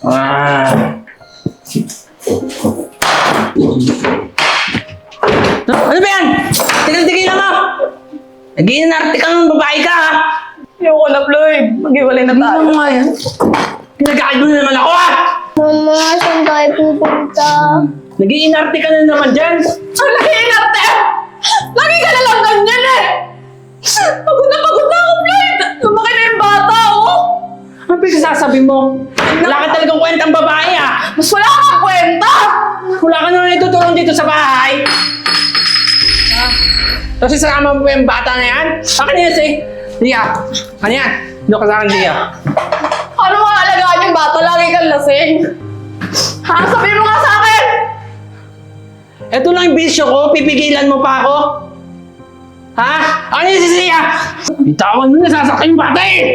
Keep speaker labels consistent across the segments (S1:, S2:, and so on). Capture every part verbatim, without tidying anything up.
S1: Ah. Ano ba yan? Tigil-tigil mo! Nag-iinarte kang babae ka, ha?
S2: Ayoko na, Floyd. Mag-iwalay na tayo.
S1: Ano nga yan? Pinag-aaral mo na naman ako, ha?
S3: Mama, saan tayo pupunta?
S1: Nag-iinarte ka na naman dyan.
S2: Ang nag-iinarte! Lagi ka na lang ganyan eh! Pagod na pagod na ako, Floyd! Lumaki na yung bata, oh!
S1: Ano pinagsasabi mo? Wala ka talagang kwentang babae, ha?
S2: Mas wala kang kwenta!
S1: Wala ka naman itutulong dito sa bahay. Ha? Tapos isama mo yung bata na yan? Akin na yan si Lia. Ano yan? Doon ka sa akin, Lia.
S2: Ano mga alagaan yung bata? Lagi kang lasing. Ha? Sabihin mo nga sa akin!
S1: Ito lang yung bisyo ko. Pipigilan mo pa ako. Ha? Ano yan si Lia? Bitawan mo na, sasaktan yung bata eh!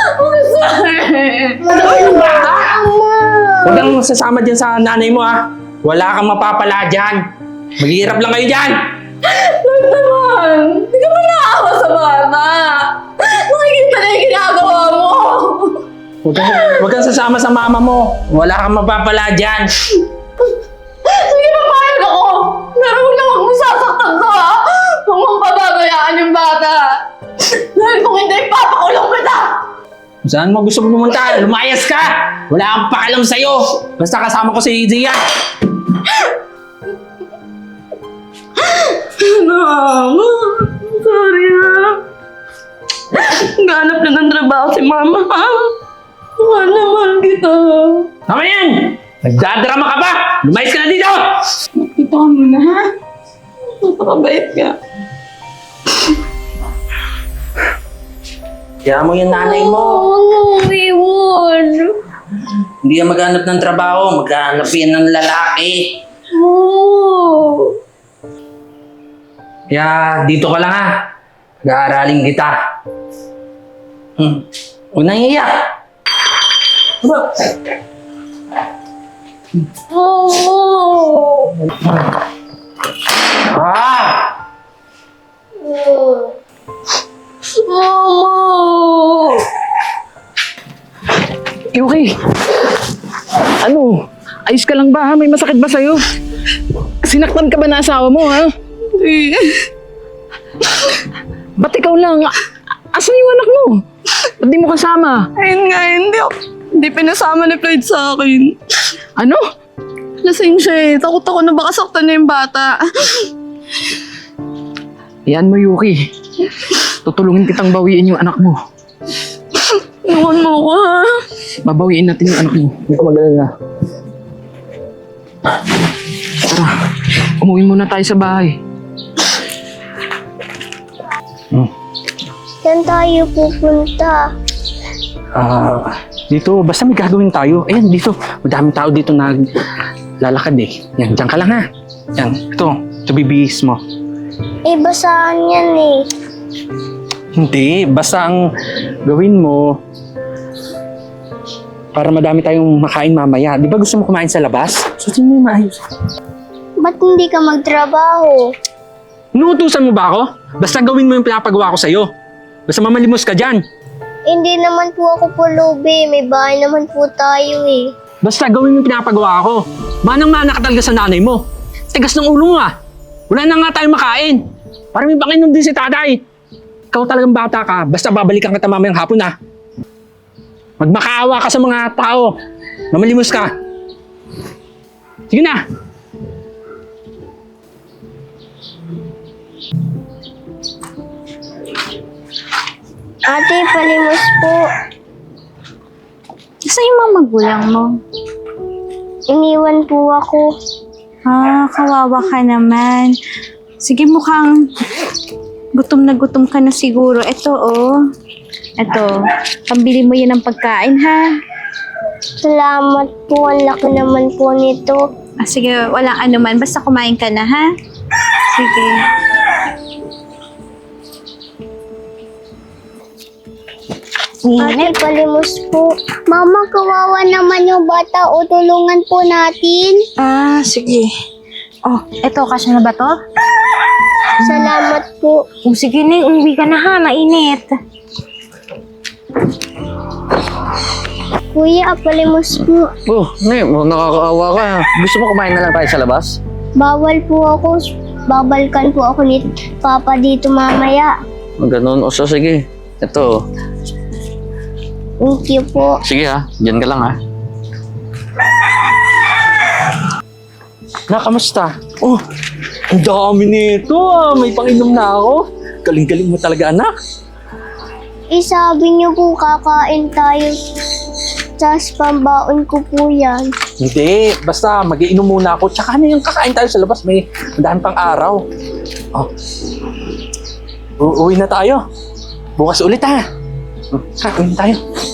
S1: Ano yung bata? Huwag kang sasama dyan sa nanay mo, ha? Wala kang mapapala dyan. Maghihirap lang kayo dyan.
S2: Floyd naman! Hindi ka ba naawa sa bata? Nakikita na yung ginagawa mo!
S1: Huwag kang, huwag kang sasama sa mama mo. Wala kang mapapala dyan.
S2: Sige, papayag ako! Pero huwag na huwag mo sasaktan to, ha? Huwag mong pababayaan yung bata! Dahil kung hindi, papakulong kita!
S1: Kung saan mo gusto pumunta, lumayas ka! Wala akong paalam sa'yo. Basta kasama ko si Zia.
S2: Mama, sorry ha. Naghanap na ng trabaho si Mama, ha? Mahal na mahal kita.
S1: Tama yan! Nagdadrama ka ba? Lumayas ka na dito!
S2: Makita ka muna, ha? Napakabait ka.
S1: Kaya mo yung nanay mo.
S3: Oo, iwan.
S1: Hindi yan maghanap ng trabaho. Maghanap yan ng lalaki.
S3: Oo.
S1: Kaya dito ka lang, ha? Nag-aaralin kita. Hmm. Huwag nang iiyak. Diba?
S3: Oo.
S1: Ah!
S3: Mama.
S4: Yuki! Ano? Ayos ka lang ba ha? May masakit ba sa'yo? Sinaktan ka ba na asawa mo ha?
S2: Hindi.
S4: Ba't ikaw lang? A- Asan yung anak mo? Ba't di mo kasama?
S2: Ayun nga, hindi ako. Hindi pinasama ni Floyd sa akin.
S4: Ano?
S2: Lasing siya eh. Takot ako na baka saktan niya yung bata.
S4: Yan mo Yuki. Tutulungin kitang bawiin yung anak mo.
S2: Iwan mo ko, ha?
S4: Babawiin natin yung anak mo. Hindi ko mag-alala. Tara, umuwi muna tayo sa bahay. Hmm.
S3: Saan tayo pupunta?
S4: Ah, dito, basta may gagawin tayo. Ayan, dito. Madaming tao dito naglalakad eh. Yan, dyan ka lang ha. Yan, ito. Ito bibihis mo.
S3: Eh, basahan yan eh.
S4: Hindi, basta ang gawin mo para madami tayong makain mamaya. Di ba gusto mo kumain sa labas? Susin mo yung maayos.
S3: Ba't hindi ka magtrabaho?
S4: Inuutusan mo ba ako? Basta gawin mo yung pinapagawa ko sa'yo. Basta mamalimos ka dyan.
S3: Hindi naman po ako pulubi. May bahay naman po tayo eh.
S4: Basta gawin mo yung pinapagawa ko. Manang-mana ka talaga sa nanay mo. Tigas ng ulo mo ah. Wala na nga tayong makain. Para may pakinom din si tatay. Ikaw talagang bata ka. Basta babalikan kita mamayang hapon ah. Magmakaawa ka sa mga tao. Mamalimos ka. Sige na.
S3: Ate, palimos po.
S5: Saan yung mga magulang mo?
S3: Iniwan po ako.
S5: Ah, kawawa ka naman. Sige, mukhang gutom na gutom ka na siguro. Ito, oh. Ito, pambili mo yan ng pagkain, ha?
S3: Salamat po. Ang laki naman po nito.
S5: Ah, sige, walang anuman. Basta kumain ka na, ha? Sige.
S3: Ate, palimos po. Mama, kawawa naman yung bata. O, tulungan po natin.
S5: Ah, sige. Oh, eto, kasya na ba to?
S3: Salamat po.
S5: Oh, sige na, umuwi ka na ha, mainit.
S3: Kuya, palimos po.
S6: Oh, ne, oh, nakakaawa ka. Gusto mo kumain na lang tayo sa labas?
S3: Bawal po ako. Babalkan po ako ni Papa dito mamaya.
S6: Ganun. O so, sige. Ito.
S3: Thank you po.
S6: Sige ha. Diyan ka lang ha.
S4: Na, kamusta? Oh, ang dami nito ah. May panginom na ako. Galing-galing mo talaga, anak.
S3: Eh, sabi niyo po kakain tayo. Tapos pambaon ko po yan.
S4: Hindi, basta mag-iinom muna ako. Tsaka na yung kakain tayo sa labas. May daan pang araw. Oh. U- uwi na tayo. Bukas ulit ha. Oh, ha, uwi na tayo.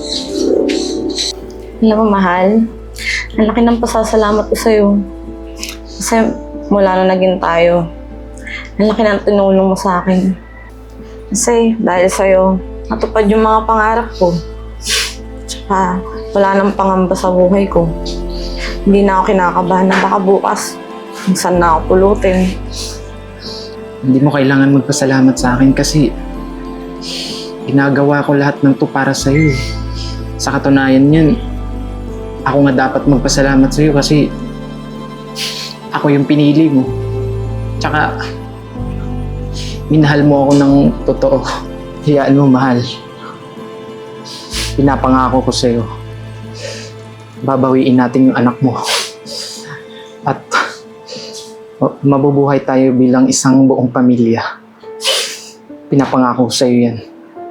S2: Alam mo, mahal, ang laki ng pasasalamat ko sa'yo. Kasi mula na naging tayo, ang laki ng tinulong mo sa akin. Kasi dahil sa'yo, natupad yung mga pangarap ko. Tsaka wala nang pangamba sa buhay ko. Hindi na ako kinakabahan na baka bukas kung saan na ako pulutin.
S1: Hindi mo kailangan magpasalamat sa akin kasi ginagawa ko lahat ng to para sa'yo. Sa katunayan yan, ako nga dapat magpasalamat sa'yo kasi ako yung pinili mo. Tsaka, minahal mo ako ng totoo. Hiyaan mo, mahal. Pinapangako ko sa'yo. Babawiin natin yung anak mo. At oh, mabubuhay tayo bilang isang buong pamilya. Pinapangako ko sa'yo yan.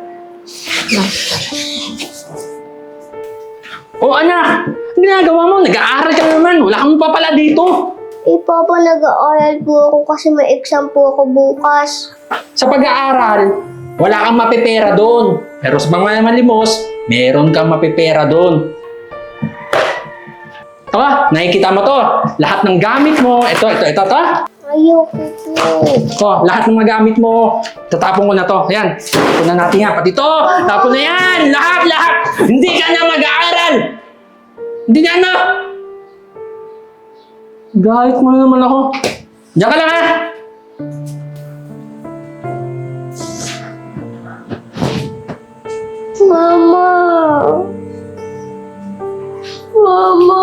S4: Oh, anak! Ang ginagawa mo? Nag-aaral ka naman. Wala kang papala dito.
S3: Eh, Papa, nag-aaral po ako kasi may exam po ako bukas.
S4: Sa pag-aaral, wala kang mapipera doon. Pero sa mga malimos, meron kang mapipera doon. Ito ah, nakikita mo to. Lahat ng gamit mo. Ito, ito, ito, ito.
S3: Ayoko po.
S4: Ito, lahat ng mga gamit mo. Tatapon ko na to. Ayan, tapon na natin yan. Pati to, tapon na yan. Lahat, lahat. Hindi ka na mag-aaral. Hindi na na. Galit mo na naman ako. Diyan ka lang ha.
S3: Mama! Mama!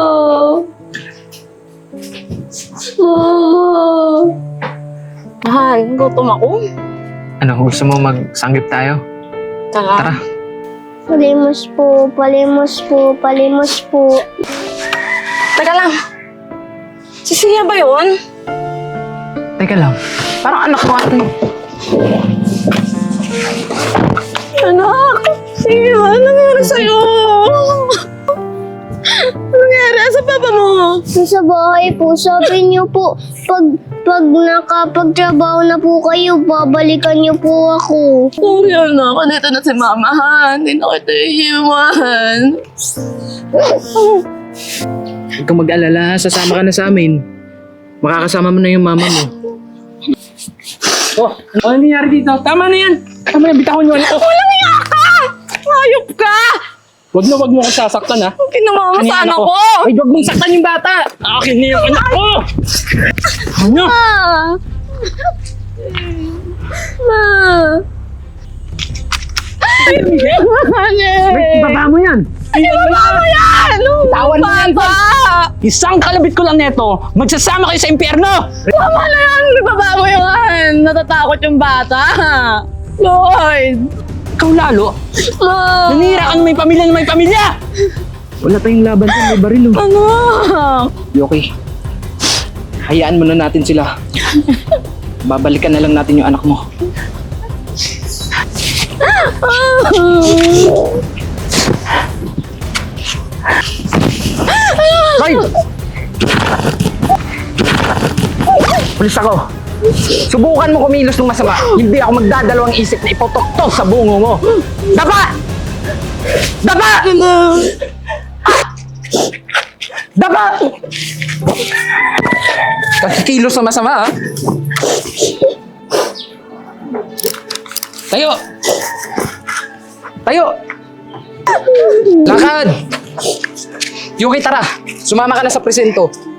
S3: Mama!
S2: Mahal, gutom ako.
S1: Ano, gusto mo magsanggip tayo?
S2: Tara.
S1: Tara.
S3: Palimos po, palimos po, palimos po.
S2: Teka lang. Si Sia ba yun?
S1: Teka lang. Parang anak ko ate.
S2: Anak! Sia, ano nangyari sa'yo? Ano nangyari? Asa papa mo?
S3: Sa bahay po, sabi niyo po, pag, pag nakapagtrabaho na po kayo, babalikan niyo po ako.
S2: Sorry anak, nandito na si mama ha. Hindi na kita iiwan.
S1: Huwag kang mag-alala, sasama ka na sa amin. Makakasama mo na yung mama mo.
S4: Oh, ano nangyari dito? Tama na yan. Tama na, bitawan nyo. Oh,
S2: Walang iya ka! Hayop ka!
S4: wag na wag mo akong sasaktan ha.
S2: Kinama mo sa anak ko!
S4: Ay, wag mong saktan yung bata. Akin na yung anak ko. Ano?
S2: Ma!
S4: Ay, Miguel. Wait, ibaba mo yan.
S2: Ibaba mo yan!
S4: Tawan mo yan,
S2: Papa!
S4: Isang kalabit ko lang neto, magsasama kayo sa impyerno!
S2: Tama na yan! Ibaba mo yan! Natatakot yung bata! Lloyd!
S4: Ikaw lalo,
S2: Ma!
S4: nanira ka na may pamilya na may pamilya!
S1: Wala tayong laban dun, may baril. oh.
S2: Anak!
S1: Yoki, hayaan mo na natin sila. Babalikan na lang natin yung anak mo.
S4: Hoy! Pulis ako. Subukan mo kumilos ng masama. Hindi ako magdadalawang isip na ipotoktok sa bungo mo. Dapa! Dapa! Dapa! Kakikilos na masama, ha? Tayo! Tayo! Lakad! Yuki, tara! Sumama ka na sa presento.